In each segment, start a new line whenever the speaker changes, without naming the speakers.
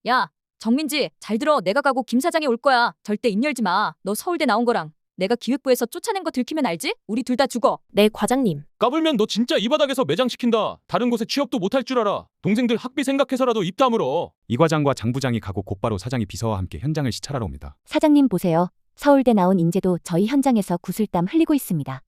야, 정민지, 잘 들어. 내가 가고 김 사장이 올 거야. 절대 입 열지 마. 너 서울대 나온 거랑 내가 기획부에서 쫓아낸 거 들키면 알지? 우리 둘 다 죽어.
네, 과장님.
까불면 너 진짜 이 바닥에서 매장시킨다. 다른 곳에 취업도 못할 줄 알아. 동생들 학비 생각해서라도 입 다물어.
이 과장과 장 부장이 가고 곧바로 사장이 비서와 함께 현장을 시찰하러 옵니다.
사장님 보세요. 서울대 나온 인재도 저희 현장에서 구슬땀 흘리고 있습니다.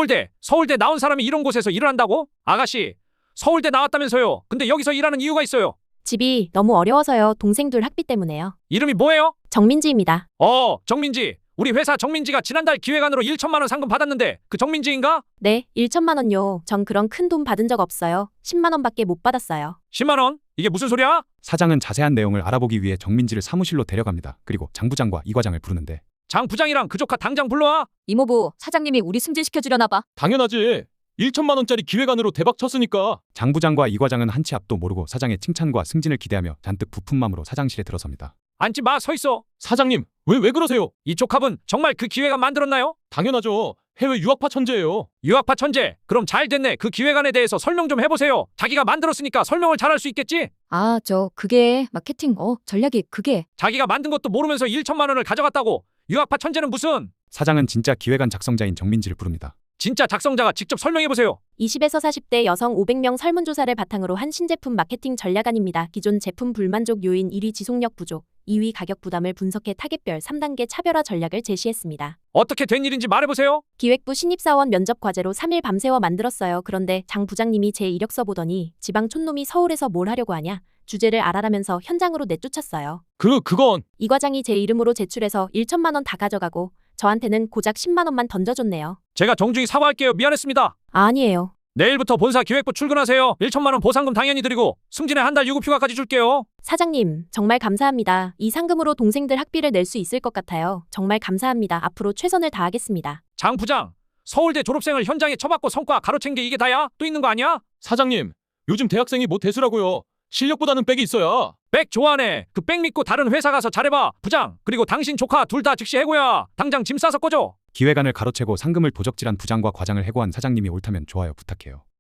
서울대 나온 사람이 이런 곳에서 일을 한다고? 아가씨, 서울대 나왔다면서요. 근데 여기서 일하는 이유가 있어요.
집이 너무 어려워서요. 동생들 학비 때문에요.
이름이 뭐예요?
정민지입니다.
정민지. 우리 회사 정민지가 지난달 기획안으로 1천만 원 상금 받았는데 그 정민지인가?
네, 1천만 원요. 전 그런 큰 돈 받은 적 없어요. 10만 원밖에 못 받았어요.
10만 원? 이게 무슨 소리야?
사장은 자세한 내용을 알아보기 위해 정민지를 사무실로 데려갑니다. 그리고 장 부장과 이 과장을 부르는데
장 부장이랑 그 조카 당장 불러와.
이모부, 사장님이 우리 승진시켜주려나 봐.
당연하지. 1천만 원짜리 기획안으로 대박 쳤으니까.
장 부장과 이 과장은 한치 앞도 모르고 사장의 칭찬과 승진을 기대하며 잔뜩 부푼 마음으로 사장실에 들어섭니다.
앉지 마, 서 있어.
사장님, 왜 그러세요?
이 조카분 정말 그 기획안 만들었나요?
당연하죠. 해외 유학파 천재예요.
유학파 천재. 그럼 잘 됐네. 그 기획안에 대해서 설명 좀 해보세요. 자기가 만들었으니까 설명을 잘할 수 있겠지?
아, 그게 마케팅, 전략이 그게.
자기가 만든 것도 모르면서 1천만 원을 가져갔다고. 유학파 천재는 무슨?
사장은 진짜 기획안 작성자인 정민지를 부릅니다.
진짜 작성자가 직접 설명해보세요.
20에서 40대 여성 500명 설문조사를 바탕으로 한 신제품 마케팅 전략안입니다. 기존 제품 불만족 요인 1위 지속력 부족, 2위 가격 부담을 분석해 타겟별 3단계 차별화 전략을 제시했습니다.
어떻게 된 일인지 말해보세요.
기획부 신입사원 면접 과제로 3일 밤새워 만들었어요. 그런데 장 부장님이 제 이력서 보더니 지방 촌놈이 서울에서 뭘 하려고 하냐? 주제를 알아라면서 현장으로 내쫓았어요.
그건
이 과장이 제 이름으로 제출해서 1천만 원 다 가져가고 저한테는 고작 10만 원만 던져줬네요.
제가 정중히 사과할게요. 미안했습니다.
아니에요.
내일부터 본사 기획부 출근하세요. 1천만 원 보상금 당연히 드리고 승진에 한 달 유급휴가까지 줄게요.
사장님, 정말 감사합니다. 이 상금으로 동생들 학비를 낼 수 있을 것 같아요. 정말 감사합니다. 앞으로 최선을 다하겠습니다.
장 부장, 서울대 졸업생을 현장에 쳐박고 성과 가로챈 게 이게 다야? 또 있는 거 아니야?
사장님, 요즘 대학생이 뭐 대수라고요. 실력보다는 백이 있어야.
백 좋아하네. 그 백 믿고 다른 회사 가서 잘해봐. 부장, 그리고 당신 조카 둘 다 즉시 해고야. 당장 짐 싸서 꺼져.
기획안을 가로채고 상금을 도적질한 부장과 과장을 해고한 사장님이 옳다면 좋아요 부탁해요.